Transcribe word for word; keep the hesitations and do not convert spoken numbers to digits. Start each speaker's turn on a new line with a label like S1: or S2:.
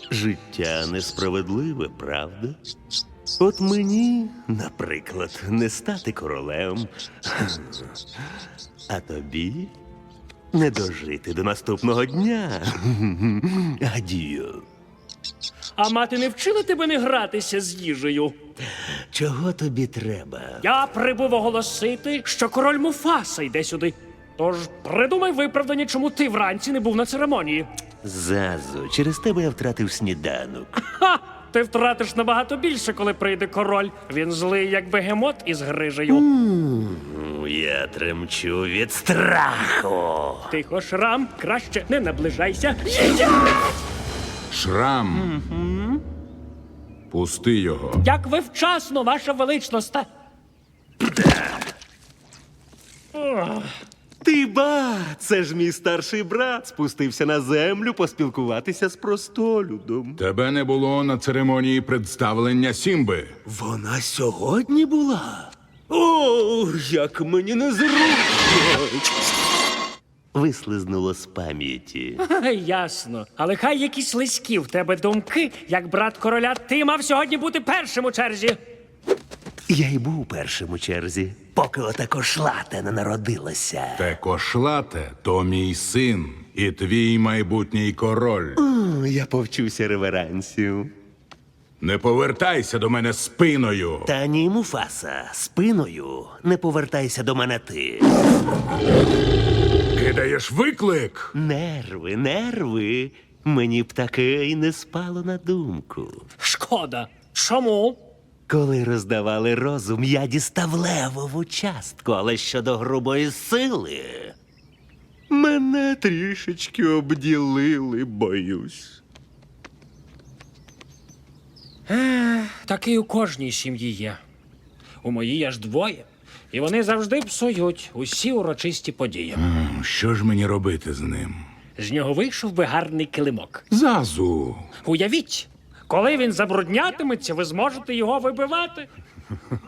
S1: Життя несправедливе, правда? От мені, наприклад, не стати королем, а тобі не дожити до наступного дня. Адію.
S2: А мати не вчила тебе не гратися з їжею?
S1: Чого тобі треба?
S2: Я прибув оголосити, що король Муфаса йде сюди. Тож придумай виправдання, чому ти вранці не був на церемонії.
S1: Зазу, через тебе я втратив сніданок.
S2: Ха! Ти втратиш набагато більше, коли прийде король. Він злий, як бегемот із грижею.
S1: М, Я тремчу від страху.
S2: Тихо, Шрам, краще не наближайся.
S3: Шрам. Пусти його.
S2: Як ви вчасно, ваша величність.
S1: Ти ба, це ж мій старший брат спустився на землю поспілкуватися з простолюдом.
S3: Тебе не було на церемонії представлення Сімби.
S1: Вона сьогодні була? О, як мені незручно! Вислизнуло з пам'яті.
S2: Ясно. Але хай якісь лиські в тебе думки, як брат короля, ти мав сьогодні бути першим у черзі.
S1: Я й був першим у черзі, поки ота кошлата не народилася.
S3: Те кошлате – то мій син і твій майбутній король.
S1: О, я повчуся реверансів.
S3: Не повертайся до мене спиною.
S1: Та ні, Муфаса, спиною не повертайся до мене ти.
S3: Кидаєш виклик.
S1: Нерви, нерви. Мені б таке і не спало на думку.
S2: Шкода. Чому?
S1: Коли роздавали розум, я дістав левову частку, але щодо грубої сили мене трішечки обділили, боюсь.
S2: Такий у кожній сім'ї є. У моїй аж двоє. І вони завжди псують усі урочисті події.
S3: М, Що ж мені робити з ним?
S2: З нього вийшов би гарний килимок.
S3: Зазу.
S2: Уявіть, коли він забруднятиметься, ви зможете його вибивати.